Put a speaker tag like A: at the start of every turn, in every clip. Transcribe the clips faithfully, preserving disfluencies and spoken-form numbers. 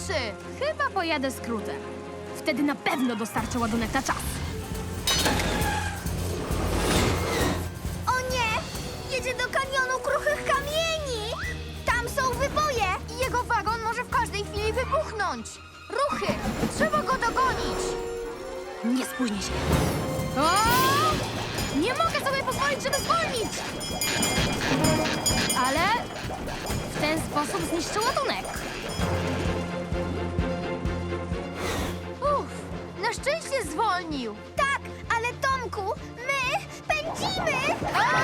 A: lepszy!
B: Chyba pojadę skrótem. Wtedy na pewno dostarczę ładunek na czas.
C: O nie! Jedzie do kanionu kruchych kamieni! Tam są wyboje!
A: I jego wagon może w każdej chwili wybuchnąć! Ruchy! Trzeba go dogonić!
B: Nie spóźnię się. O! Nie mogę sobie pozwolić, żeby zwolnić! Ale w ten sposób zniszczę ładunek.
A: Uff, na szczęście zwolnił!
C: Tak, ale Tomku, my pędzimy!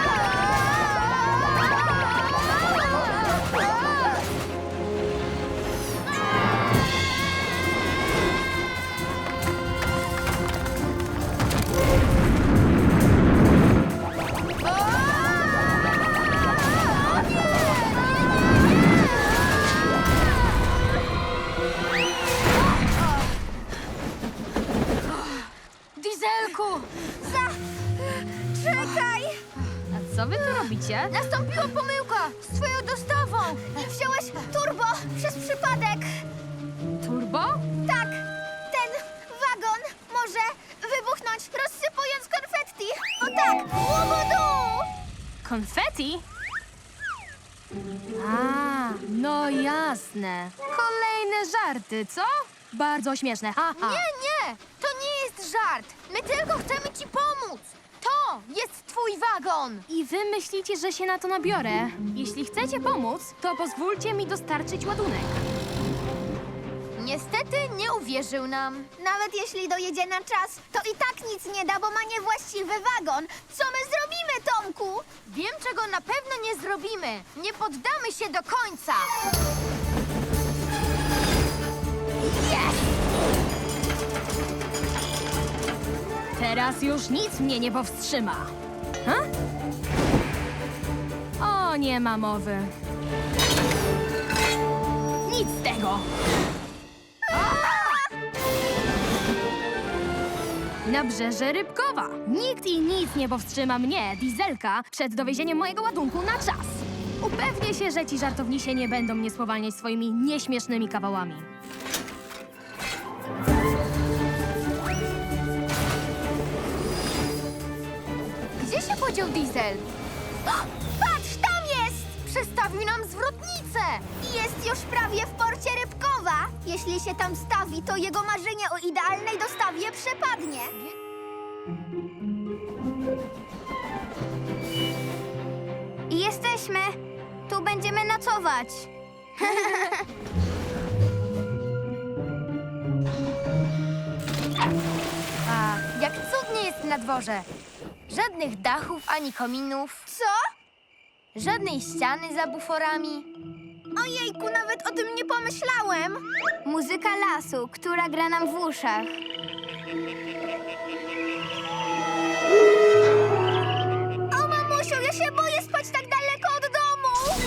A: Dieselku!
C: Za... Czekaj!
B: A co wy tu robicie?
A: Nastąpiła pomyłka z twoją dostawą!
C: Wziąłeś turbo przez przypadek!
B: Turbo?
C: Tak, ten wagon może wybuchnąć, rozsypując konfetti! O tak! Łobudu!
B: Konfetti? A, no jasne. Kolejne żarty, co? Bardzo śmieszne, haha.
A: Nie, nie! To nie jest żart! My tylko chcemy ci pomóc! To jest twój wagon!
B: I wy myślicie, że się na to nabiorę? Jeśli chcecie pomóc, to pozwólcie mi dostarczyć ładunek.
A: Niestety nie uwierzył nam.
C: Nawet jeśli dojedzie na czas, to i tak nic nie da, bo ma niewłaściwy wagon. Co my zrobimy, Tomku?
A: Wiem, czego na pewno nie zrobimy. Nie poddamy się do końca.
B: Teraz już nic mnie nie powstrzyma. Ha? O, nie ma mowy. Nic z tego. Nabrzeże Rybkowa. Nikt i nic nie powstrzyma mnie, Dieselka, przed dowiezieniem mojego ładunku na czas. Upewnię się, że ci żartownisie nie będą mnie spowalniać swoimi nieśmiesznymi kawałami.
A: Gdzie się podział Diesel?
C: Patrz, tam jest!
A: Przestawił nam zwrotnicę!
C: I jest już prawie w porcie Rybkowa. Jeśli się tam stawi, to jego marzenie o idealnej dostawie przepadnie. I jesteśmy. Tu będziemy nocować.
A: A jak cudnie jest na dworze. Żadnych dachów ani kominów,
C: Co?
A: żadnej ściany za buforami.
C: Ojejku, nawet o tym nie pomyślałem. Muzyka lasu, która gra nam w uszach. O, mamusiu, ja się boję spać tak daleko od domu.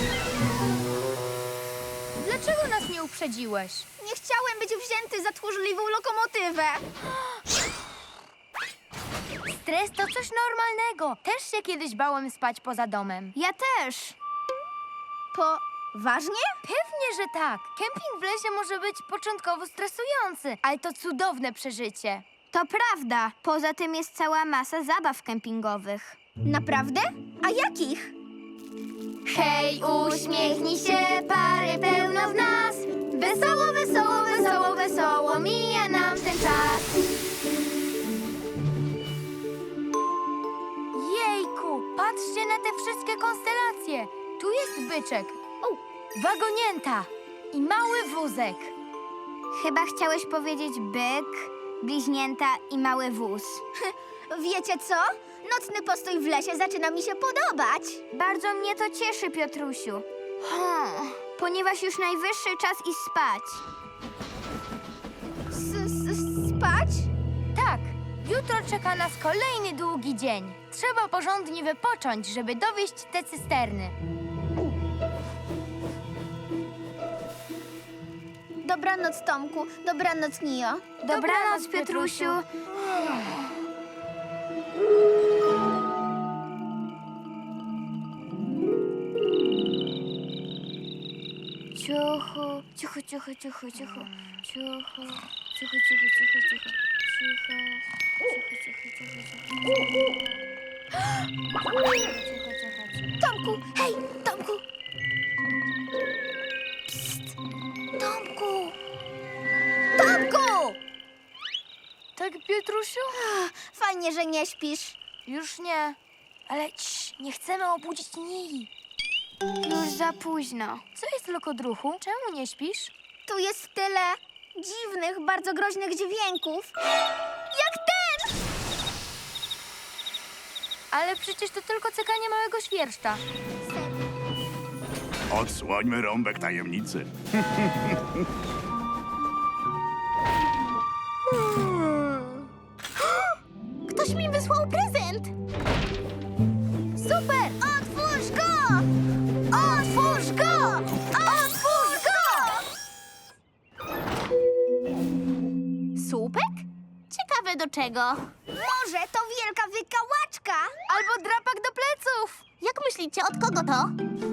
A: Dlaczego nas nie uprzedziłeś?
C: Nie chciałem być wzięty za tchórzliwą lokomotywę.
A: Stres to coś normalnego. Też się kiedyś bałem spać poza domem.
C: Ja też. Poważnie?
A: Pewnie, że tak. Kemping w lesie może być początkowo stresujący, ale to cudowne przeżycie.
C: To prawda. Poza tym jest cała masa zabaw kempingowych. Naprawdę? A jakich?
A: Hej, uśmiechnij się, pary pełno w nas. Wesoło, wesoło, wesoło, wesoło mija nam ten czas. Jejku, patrzcie na te wszystkie konstelacje. Tu jest byczek,
C: O,
A: wagonięta i mały wózek.
C: chyba chciałeś powiedzieć byk, bliźnięta i mały wóz. Wiecie co? Nocny postój w lesie zaczyna mi się podobać. Bardzo mnie to cieszy, Piotrusiu. Hmm, ponieważ już najwyższy czas iść spać. Spać?
A: Tak, jutro czeka nas kolejny długi dzień. Trzeba porządnie wypocząć, żeby dowieźć te cysterny.
C: Dobranoc, Tomku. Dobranoc, Nio.
A: Dobranoc, Piotrusiu.
C: Cicho, cicho, cicho, cicho, cicho. Cicho, cicho, cicho, cicho, cicho. Cicho, cicho, cicho, cicho, cicho. Tomku, hej, Tomku! Psst! Tomku! Tomku!
B: Tak, Piotrusiu?
C: Fajnie, że nie śpisz.
B: Już nie. Ale cii, nie chcemy obudzić Nili.
C: Już za późno.
B: Co jest, lokodruchu? Czemu nie śpisz?
C: Tu jest tyle dziwnych, bardzo groźnych dźwięków. Jak ten!
B: Ale przecież to tylko cykanie małego świerszcza.
D: Odsłońmy rąbek tajemnicy.
C: Ktoś mi wysłał prezent! Super! Otwórz go! Otwórz go! Otwórz go!
B: Słupek?
C: Ciekawe do czego. Może to wielka wykałaczka?
B: Albo drapak do pleców.
C: Jak myślicie, od kogo to?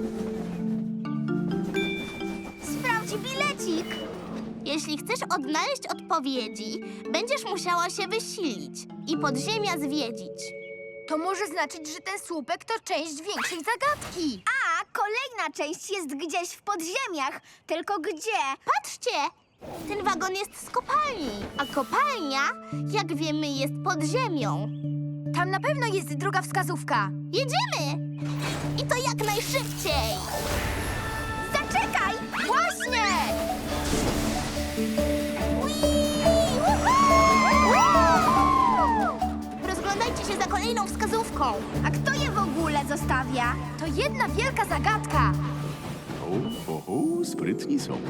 C: Sprawdź bilecik.
E: Jeśli chcesz odnaleźć odpowiedzi, będziesz musiała się wysilić i podziemia zwiedzić.
B: To może znaczyć, że ten słupek to część większej zagadki.
C: A kolejna część jest gdzieś w podziemiach. Tylko gdzie?
E: Patrzcie! Ten wagon jest z kopalni, a kopalnia, jak wiemy, jest pod ziemią.
B: Tam na pewno jest druga wskazówka.
E: Jedziemy! I to jak najszybciej!
C: Zaczekaj!
B: Właśnie!
E: Rozglądajcie się za kolejną wskazówką.
C: A kto je w ogóle zostawia?
B: To jedna wielka zagadka.
D: O, o, o, sprytni są.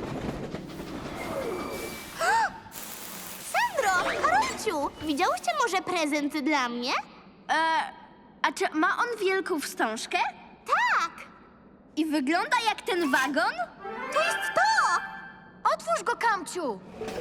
E: Sandro, Karolciu, widziałyście może prezent dla mnie?
C: E, a czy ma on wielką wstążkę?
E: Tak!
C: I wygląda jak ten wagon?
E: To jest to!
B: Otwórz go, Kamciu.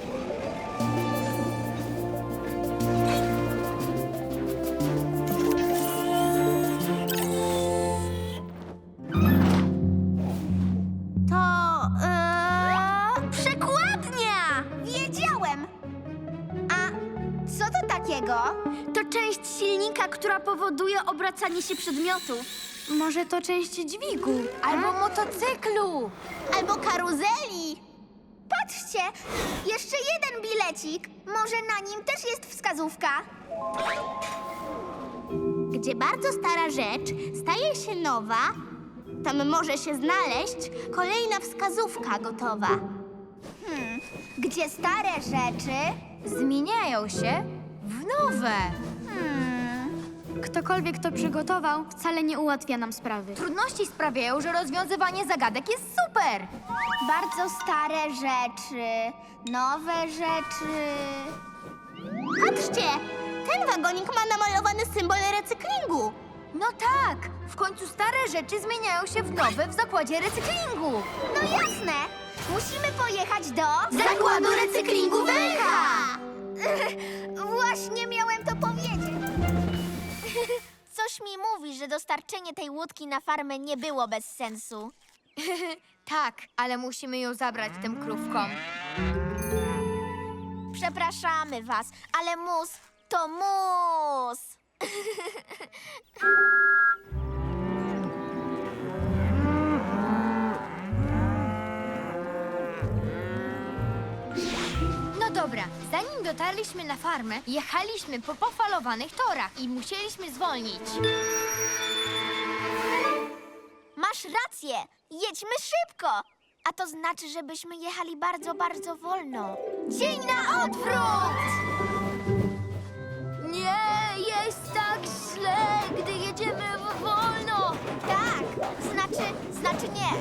E: To... Eee...
C: Przekładnia! Wiedziałem! A co to takiego? To część silnika, która powoduje obracanie się przedmiotów.
B: Może to część dźwigu albo motocyklu.
E: Albo karuzeli.
C: Patrzcie! Jeszcze jeden bilecik. Może na nim też jest wskazówka?
E: Gdzie bardzo stara rzecz staje się nowa, tam może się znaleźć kolejna wskazówka gotowa.
C: Gdzie stare rzeczy...
B: Zmieniają się w nowe.
C: Hmm,
F: Ktokolwiek to przygotował, wcale nie ułatwia nam sprawy.
B: Trudności sprawiają, że rozwiązywanie zagadek jest super.
C: bardzo stare rzeczy, nowe rzeczy...
E: Patrzcie, ten wagonik ma namalowany symbol recyklingu.
B: No tak, w końcu stare rzeczy zmieniają się w nowe w zakładzie recyklingu.
C: No jasne! Musimy pojechać do...
E: Zakładu recyklingu Węcha!
C: Właśnie miałem to powiedzieć. Coś mi mówi, że dostarczenie tej łódki na farmę nie było bez sensu.
B: Tak, ale musimy ją zabrać tym krówkom.
C: Przepraszamy was, ale mus to mus.
B: No dobra, zanim dotarliśmy na farmę, jechaliśmy po pofalowanych torach i musieliśmy zwolnić.
C: Masz rację, jedźmy szybko. A to znaczy, żebyśmy jechali bardzo, bardzo wolno. Dzień na odwrót!
B: Nie, jest tak źle, gdy jedziemy wolno.
C: Tak, znaczy, znaczy nie.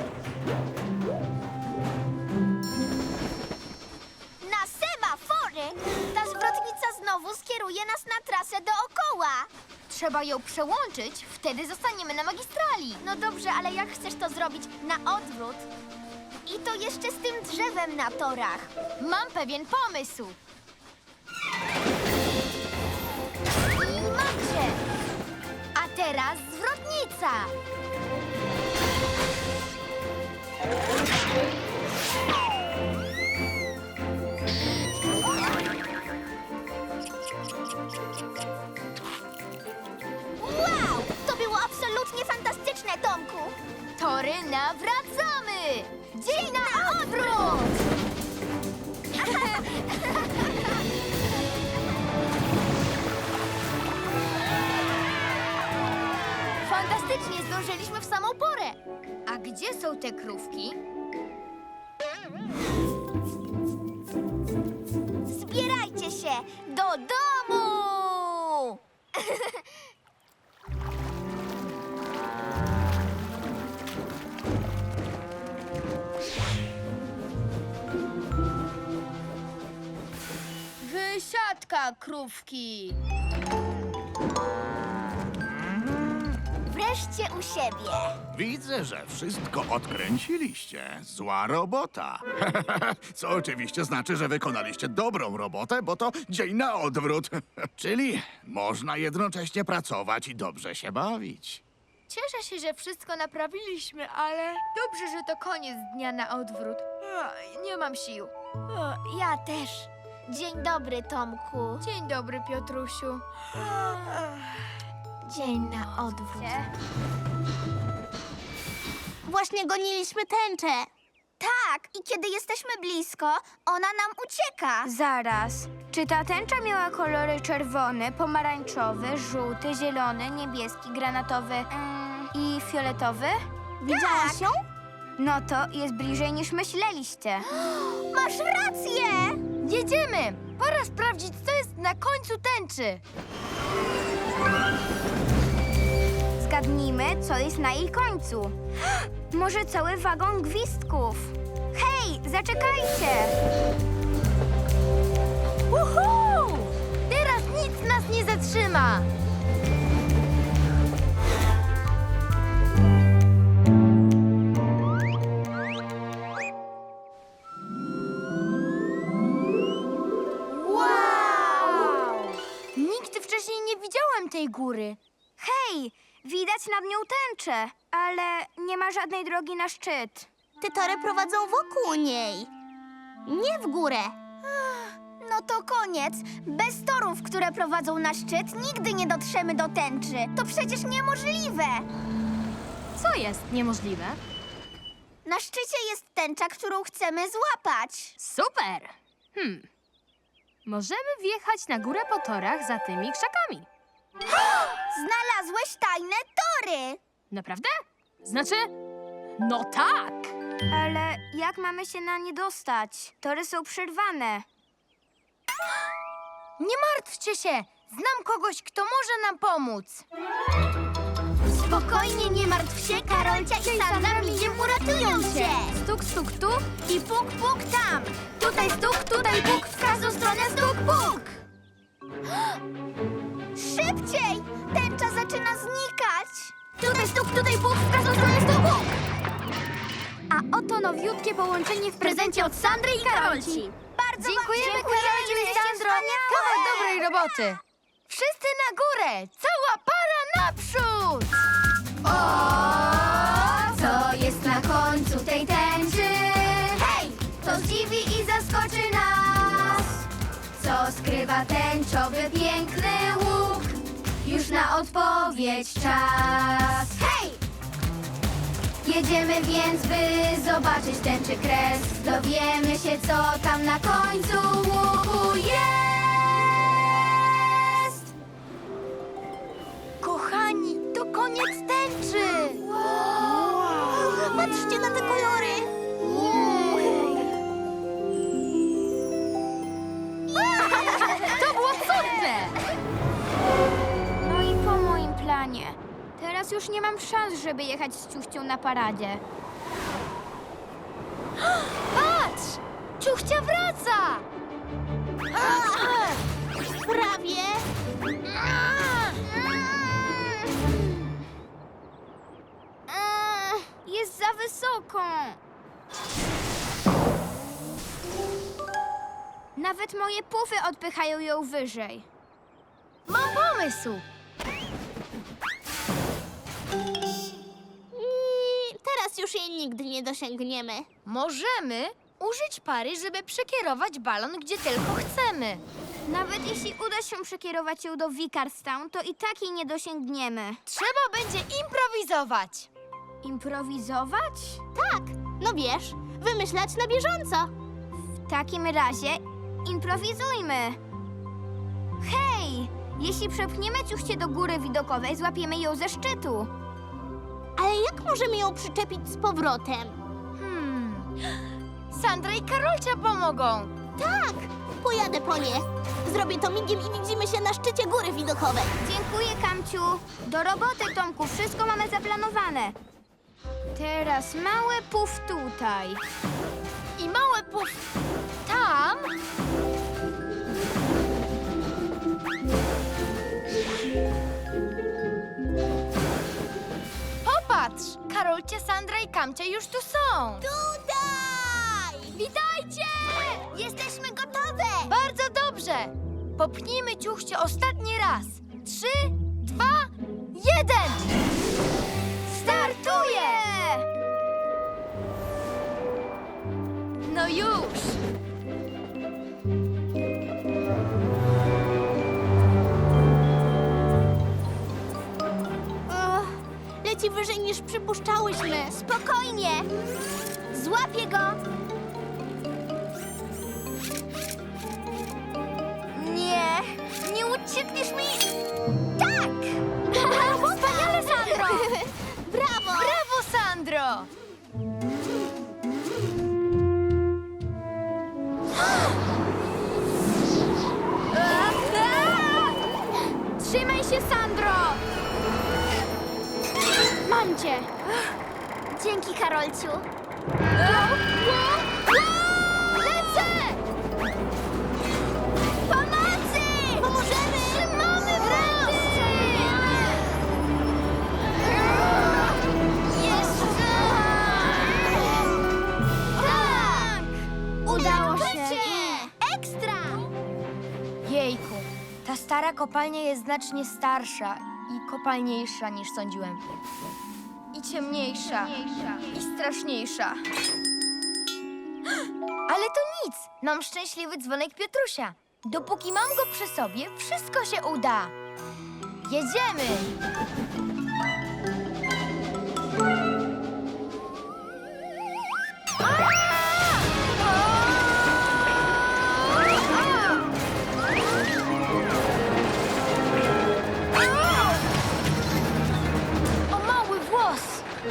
C: Na semafory! Ta zwrotnica znowu skieruje nas na trasę dookoła.
B: Trzeba ją przełączyć, wtedy zostaniemy na magistrali.
C: No dobrze, ale jak chcesz to zrobić na odwrót? I to jeszcze z tym drzewem na torach.
B: Mam pewien pomysł.
C: I mamcie!
B: A teraz zwrotnica.
A: pory, nawracamy! Dzień na odwrót! Fantastycznie, zdążyliśmy w samą porę. A gdzie są te krówki?
C: Zbierajcie się do domu!
A: Wysiadka, krówki!
C: Wreszcie u siebie.
D: Widzę, że wszystko odkręciliście. Zła robota. Co oczywiście znaczy, że wykonaliście dobrą robotę, bo to dzień na odwrót. Czyli można jednocześnie pracować i dobrze się bawić.
A: Cieszę się, że wszystko naprawiliśmy, ale dobrze, że to koniec dnia na odwrót. Ach, nie mam sił.
C: Ja też. Dzień dobry, Tomku.
A: Dzień dobry, Piotrusiu.
C: Dzień na odwrót.
E: Właśnie goniliśmy tęczę.
C: Tak, i kiedy jesteśmy blisko, ona nam ucieka. Zaraz. Czy ta tęcza miała kolory czerwony, pomarańczowy, żółty, zielony, niebieski, granatowy mm, i fioletowy?
E: Widziałaś ją?
C: No to jest bliżej niż myśleliście. Masz rację!
A: Jedziemy! Pora sprawdzić, co jest na końcu tęczy.
C: Zgadnijmy, co jest na jej końcu. Może cały wagon gwizdków. Hej, zaczekajcie!
A: Uhu! Teraz nic nas nie zatrzyma. Wow! Nigdy wcześniej nie widziałem tej góry.
C: Hej, widać nad nią tęczę, ale nie ma żadnej drogi na szczyt.
E: Te tory prowadzą wokół niej. Nie w górę.
C: No to koniec. Bez torów, które prowadzą na szczyt, nigdy nie dotrzemy do tęczy. To przecież niemożliwe.
B: Co jest niemożliwe?
C: Na szczycie jest tęcza, którą chcemy złapać.
B: Super! Hmm. Możemy wjechać na górę po torach za tymi krzakami.
C: Znalazłeś tajne tory.
B: Naprawdę? Znaczy, no tak!
C: Ale jak mamy się na nie dostać? Tory są przerwane.
A: Nie martwcie się! Znam kogoś, kto może nam pomóc.
C: Spokojnie, nie martw się, Karolcia i Sandra migiem uratują cię.
A: Stuk, stuk, tu i puk, puk tam. Tutaj stuk, tutaj puk, w każdą stronę stuk, puk.
C: Szybciej! Tęcza zaczyna znikać.
A: Tutaj stuk, tutaj puk, w każdą stronę stuk, puk.
B: A oto nowiutkie połączenie w prezencie od Sandry i Karolci.
C: Bardzo
A: Dziękujemy,
C: wam
A: Karolciu i
C: jesteście
A: Sandro.
C: wspaniałe.
A: Kawał dobrej roboty. Wszyscy na górę! Cała para naprzód!
C: O, co jest na końcu tej tęczy? Hej! To zdziwi i zaskoczy nas. Co skrywa tęczowy piękny łuk? Już na odpowiedź czas. Hej! Jedziemy więc, by zobaczyć tęczy kres. Dowiemy się, co tam na końcu łuku jest.
A: Kochani, to koniec tęczy!
E: Patrzcie na te kolory.
A: To było cudne!
C: No i po moim planie. Teraz już nie mam szans, żeby jechać z ciuchcią na paradzie.
A: Patrz! Ciuchcia wraca!
E: Prawie.
C: Eee, Jest za wysoko. Nawet moje pufy odpychają ją wyżej.
A: Mam pomysł!
E: I teraz już jej nigdy nie dosięgniemy.
A: Możemy użyć pary, żeby przekierować balon, gdzie tylko chcemy.
C: Nawet jeśli uda się przekierować ją do Vicarstown, to i tak jej nie dosięgniemy.
A: Trzeba będzie improwizować.
C: Improwizować?
E: Tak, no wiesz, wymyślać na bieżąco.
C: W takim razie improwizujmy. Hej! Jeśli przepchniemy ciuchcie do góry widokowej, złapiemy ją ze szczytu.
E: Ale jak możemy ją przyczepić z powrotem?
B: Hmm. Sandra i Karolcia pomogą.
E: Tak, pojadę po nie. Zrobię to migiem i widzimy się na szczycie góry widokowej.
C: Dziękuję, Kamciu. Do roboty, Tomku. Wszystko mamy zaplanowane. Teraz mały puf tutaj.
B: I małe puf tam. Popatrz! Karolcia, Sandra i Kamcia już tu są.
E: Tutaj!
B: Witajcie!
E: Jesteśmy gotowe!
B: Bardzo dobrze! Popnijmy ciuchcie ostatni raz. Trzy, dwa, jeden!
C: Startuję!
B: No już!
E: Och, leci wyżej niż przypuszczałyśmy.
C: Spokojnie! Złapię go! Nie, nie uciekniesz mi! Tak!
B: Wspaniale, Sandro!
E: Brawo!
B: Brawo, Sandro!
C: Trzymaj się, Sandro! Mam cię! Dzięki, Karolciu. Lecę! Pomocy!
E: Pomożemy!
C: Trzymamy wręczy! Jeszcze! Tak! Udało się! Ekstra!
B: Jejku, ta stara kopalnia jest znacznie starsza i kopalniejsza niż sądziłem. I ciemniejsza. I straszniejsza. Ale to nic. Mam szczęśliwy dzwonek Piotrusia. Dopóki mam go przy sobie, wszystko się uda. Jedziemy! O mały włos!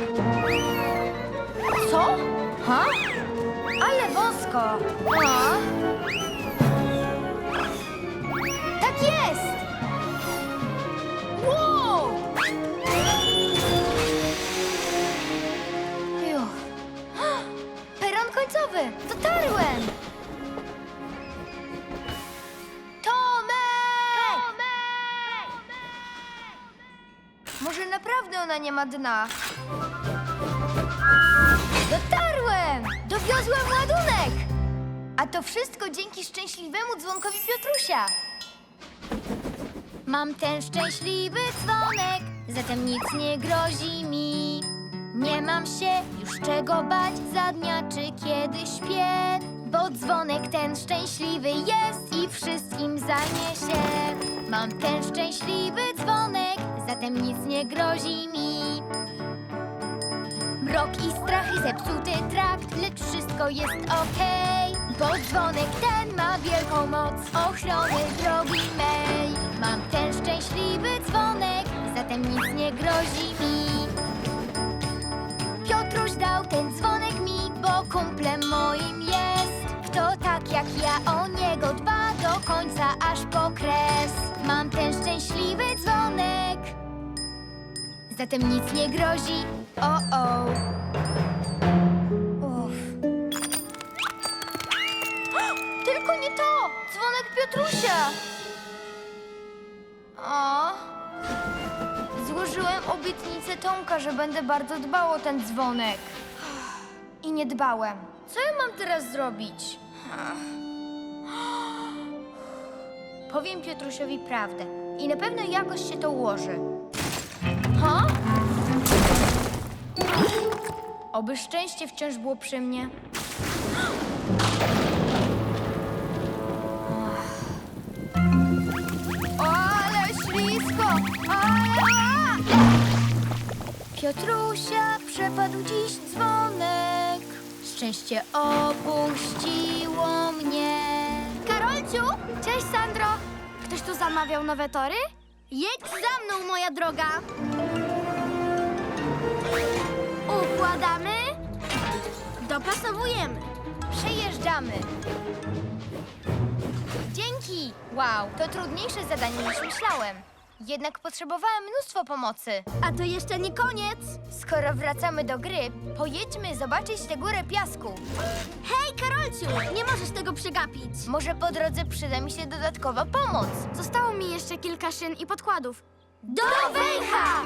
B: Co? Ha? Ale wąsko! A? Tak jest! Wow! Juch. Peron końcowy! Dotarłem! Tomek! Może naprawdę ona nie ma dna? Dotarłem! Dowiozłem ładunek! A to wszystko dzięki szczęśliwemu dzwonkowi Piotrusia. Mam ten szczęśliwy dzwonek, zatem nic nie grozi mi. Nie mam się już czego bać za dnia czy kiedy śpię, bo dzwonek ten szczęśliwy jest i wszystkim zajmie się. Mam ten szczęśliwy dzwonek, zatem nic nie grozi mi. Mrok i strach i zepsuty trakt, lecz wszystko jest okej, bo dzwonek ten ma wielką moc ochrony drogi mej. Mam ten szczęśliwy dzwonek, zatem nic nie grozi mi. Piotruś dał ten dzwonek mi, bo kumplem moim jest. Kto tak jak ja o niego dba do końca aż po kres. Mam ten szczęśliwy dzwonek, zatem nic nie grozi. O, o. Uff. Tylko nie to! Dzwonek Piotrusia! O. Złożyłem obietnicę Tomka, że będę bardzo dbał o ten dzwonek. I nie dbałem. Co ja mam teraz zrobić? Powiem Piotrusiowi prawdę. I na pewno jakoś się to ułoży. Ha? Oby szczęście wciąż było przy mnie. O, ale ślisko! A!
C: Piotrusia przepadł dziś dzwonek. Szczęście opuściło mnie. Karolciu!
F: Cześć, Sandro! Ktoś tu zamawiał nowe tory?
C: Jedź za mną, moja droga. Układamy. Dopasowujemy.
A: Przejeżdżamy. Dzięki! Wow, to trudniejsze zadanie niż myślałem. Jednak potrzebowałem mnóstwo pomocy.
C: A to jeszcze nie koniec.
A: Skoro wracamy do gry, pojedźmy zobaczyć tę górę piasku.
C: Hej, Karolciu! Nie możesz tego przegapić.
A: Może po drodze przyda mi się dodatkowa pomoc.
F: Zostało mi jeszcze kilka szyn i podkładów.
C: Do węcha!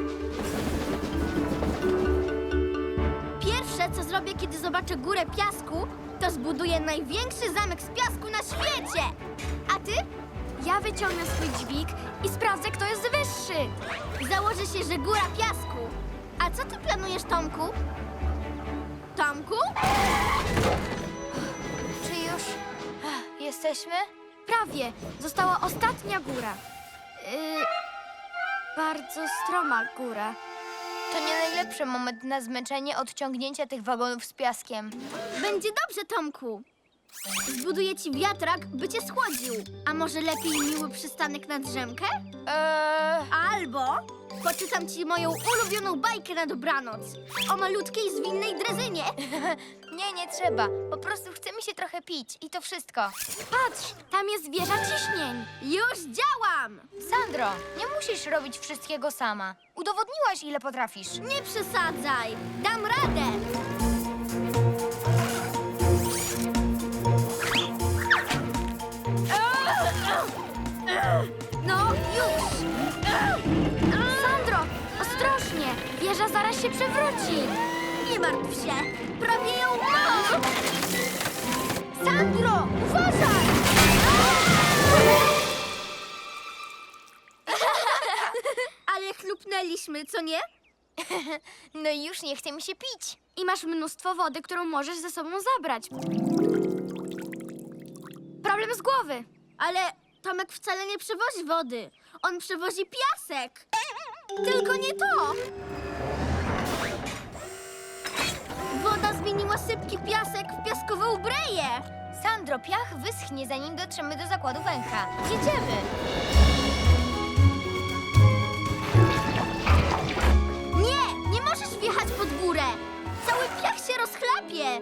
C: Pierwsze, co zrobię, kiedy zobaczę górę piasku, to zbuduję największy zamek z piasku na świecie. A ty?
F: Ja wyciągnę swój dźwig i sprawdzę, kto jest wyższy.
C: Założę się, że góra piasku. A co ty planujesz, Tomku? Tomku?
A: Czy już Ach, jesteśmy?
F: Prawie. Została ostatnia góra. Yy, bardzo stroma góra.
A: To nie najlepszy moment na zmęczenie od ciągnięcia tych wagonów z piaskiem.
C: Będzie dobrze, Tomku. Zbuduję ci wiatrak, by cię schłodził. A może lepiej miły przystanek na drzemkę?
A: Eee,
C: Albo poczytam ci moją ulubioną bajkę na dobranoc o malutkiej, zwinnej drezynie.
A: nie, nie trzeba. Po prostu chce mi się trochę pić i to wszystko.
F: Patrz, tam jest wieża ciśnień.
C: Już działam!
A: Sandro, nie musisz robić wszystkiego sama. Udowodniłaś, ile potrafisz.
C: Nie przesadzaj, dam radę. No, już!
F: Sandro, ostrożnie. Wieża zaraz się przewróci.
C: Nie martw się, prawie ją mam! Sandro, uważaj! Ale chlupnęliśmy, co nie?
A: No i już nie chce mi się pić.
F: I masz mnóstwo wody, którą możesz ze sobą zabrać. Problem z głowy.
C: Ale Tomek wcale nie przewozi wody. On przewozi piasek. Tylko nie to. Woda zmieniła sypki piasek w piaskową breję.
A: Sandro, piach wyschnie, zanim dotrzemy do zakładu węcha. Jedziemy.
C: Nie, nie możesz wjechać pod górę. Cały piach się rozchlapie.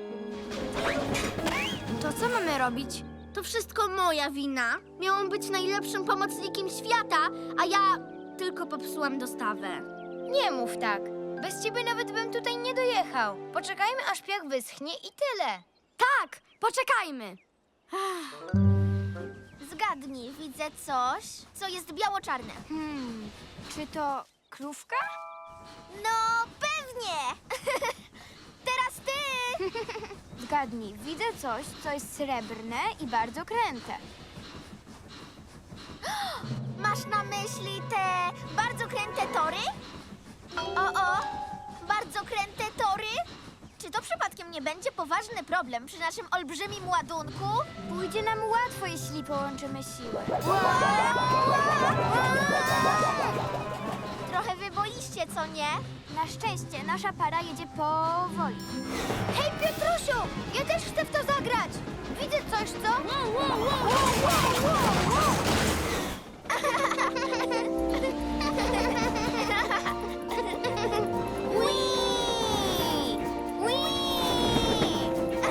F: To co mamy robić?
C: To wszystko moja wina. Miałam być najlepszym pomocnikiem świata, a ja tylko popsułam dostawę.
A: Nie mów tak. Bez ciebie nawet bym tutaj nie dojechał. Poczekajmy, aż piach wyschnie i tyle.
F: Tak, poczekajmy.
C: Zgadnij, widzę coś, co jest biało-czarne.
F: Hmm, czy to krówka?
C: No, pewnie! Teraz ty!
F: Zgadnij, widzę coś, co jest srebrne i bardzo kręte.
C: Masz na myśli te bardzo kręte tory? O, o, bardzo kręte tory? Czy to przypadkiem nie będzie poważny problem przy naszym olbrzymim ładunku?
F: Pójdzie nam łatwo, jeśli połączymy siły.
C: Trochę wyboiście, co nie?
F: Na szczęście nasza para jedzie powoli.
C: Hej, Piotrusiu! Ja też chcę w to zagrać! Widzę coś, co? Whee! Whee!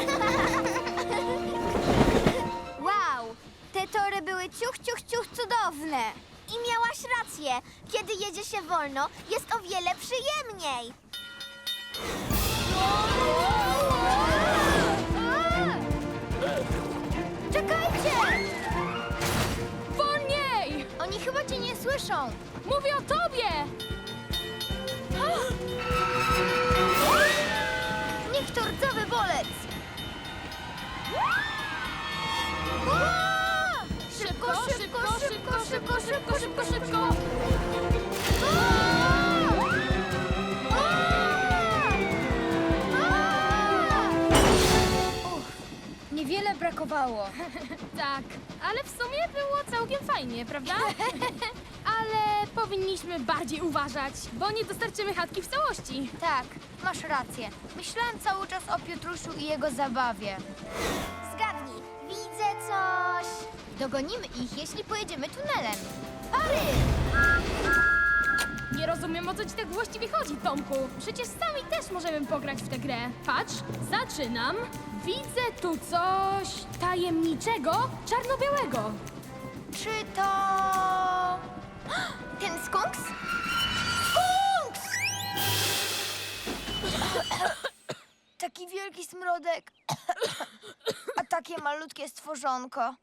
C: Wow! Te tory były ciuch, ciuch, ciuch cudowne! I miałaś rację. Kiedy jedzie się wolno, jest o wiele przyjemniej. Czekajcie!
B: Wolniej!
A: Oni chyba cię nie słyszą.
B: Mówię o tobie!
A: Niech to rdzawy bolec.
B: Szybko, szybko, szybko, szybko, szybko, szybko, szybko!
A: Niewiele brakowało.
B: Tak, ale w sumie było całkiem fajnie, prawda? ale powinniśmy bardziej uważać, bo nie dostarczymy chatki w całości.
F: Tak, masz rację. Myślałam cały czas o Piotrusiu i jego zabawie. Zgadnij, widzę coś. Dogonimy ich, jeśli pojedziemy tunelem. Pary!
B: Nie rozumiem, o co ci tak właściwie chodzi, Tomku. Przecież sami też możemy pograć w tę grę. Patrz, zaczynam. Widzę tu coś tajemniczego, czarno-białego.
F: Czy to... ten skunks? Skunks! Taki wielki smrodek, a takie malutkie stworzonko.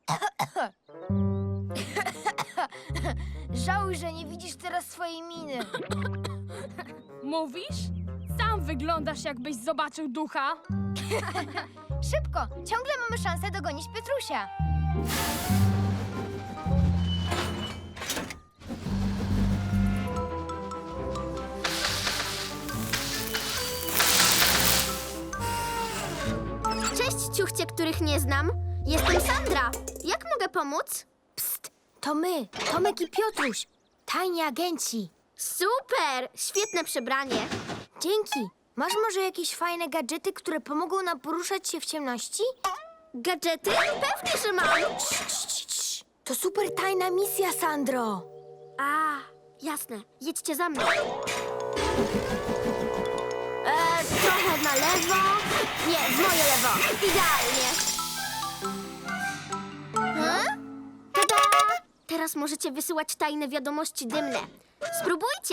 F: Żałuj, że nie widzisz teraz swojej miny.
B: Mówisz? Sam wyglądasz, jakbyś zobaczył ducha.
F: Szybko, ciągle mamy szansę dogonić Piotrusia.
C: Cześć, ciuchcie, których nie znam. Jestem Sandra. Jak mogę pomóc? Psst, to my, Tomek i Piotruś. Tajni agenci. Super! Świetne przebranie. Dzięki. Masz może jakieś fajne gadżety, które pomogą nam poruszać się w ciemności? Gadżety? Pewnie, że mam. Cii, cii, cii. To super tajna misja, Sandro. A, jasne. Jedźcie za mną. E, trochę na lewo. Nie, w moje lewo. Idealnie. Hmm? Tada! Teraz możecie wysyłać tajne wiadomości dymne. Spróbujcie.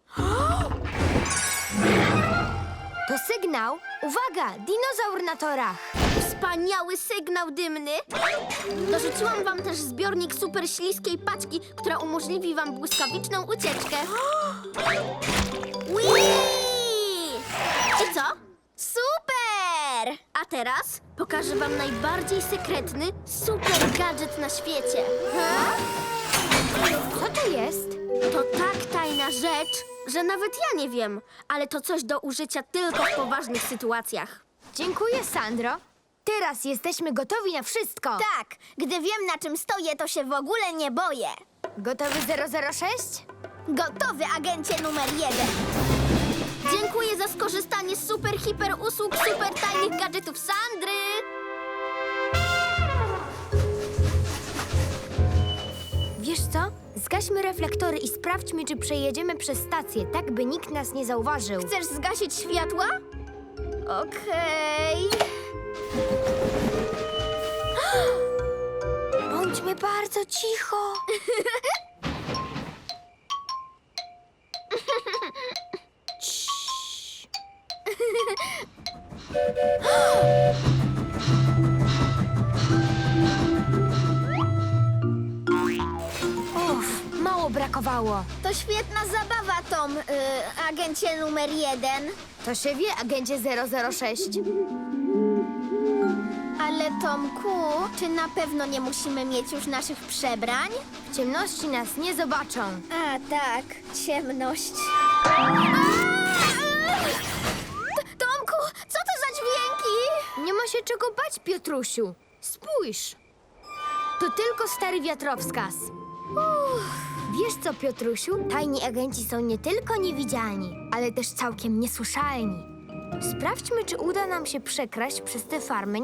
C: To sygnał. Uwaga, dinozaur na torach. Wspaniały sygnał dymny. Dorzuciłam wam też zbiornik super śliskiej paczki, która umożliwi wam błyskawiczną ucieczkę. Whee! I co? Super! A teraz pokażę wam najbardziej sekretny super gadżet na świecie. Co to jest? To tak tajna rzecz, że nawet ja nie wiem, ale to coś do użycia tylko w poważnych sytuacjach.
F: Dziękuję, Sandro. Teraz jesteśmy gotowi na wszystko.
C: Tak, gdy wiem, na czym stoję, to się w ogóle nie boję.
F: Gotowy zero zero sześć?
C: Gotowy, agencie numer jeden. Dziękuję za skorzystanie z super, hiper usług, super tajnych gadżetów Sandry.
F: Wiesz co? Zgaśmy reflektory i sprawdźmy, czy przejedziemy przez stację, tak by nikt nas nie zauważył.
C: Chcesz zgasić światła? Okej.
F: Bądźmy bardzo cicho. Uff, mało brakowało.
C: To świetna zabawa, Tom, y, agencie numer jeden.
F: To się wie, agencie zero zero sześć.
C: Ale Tomku, czy na pewno nie musimy mieć już naszych przebrań?
F: W ciemności nas nie zobaczą.
C: A tak, ciemność. Tomku, co to za dźwięki?
F: Nie ma się czego bać, Piotrusiu. Spójrz. To tylko stary wiatrowskaz. Uff. Wiesz co, Piotrusiu? Tajni agenci są nie tylko niewidzialni, ale też całkiem niesłyszalni. Sprawdźmy, czy uda nam się przekraść przez tę farmę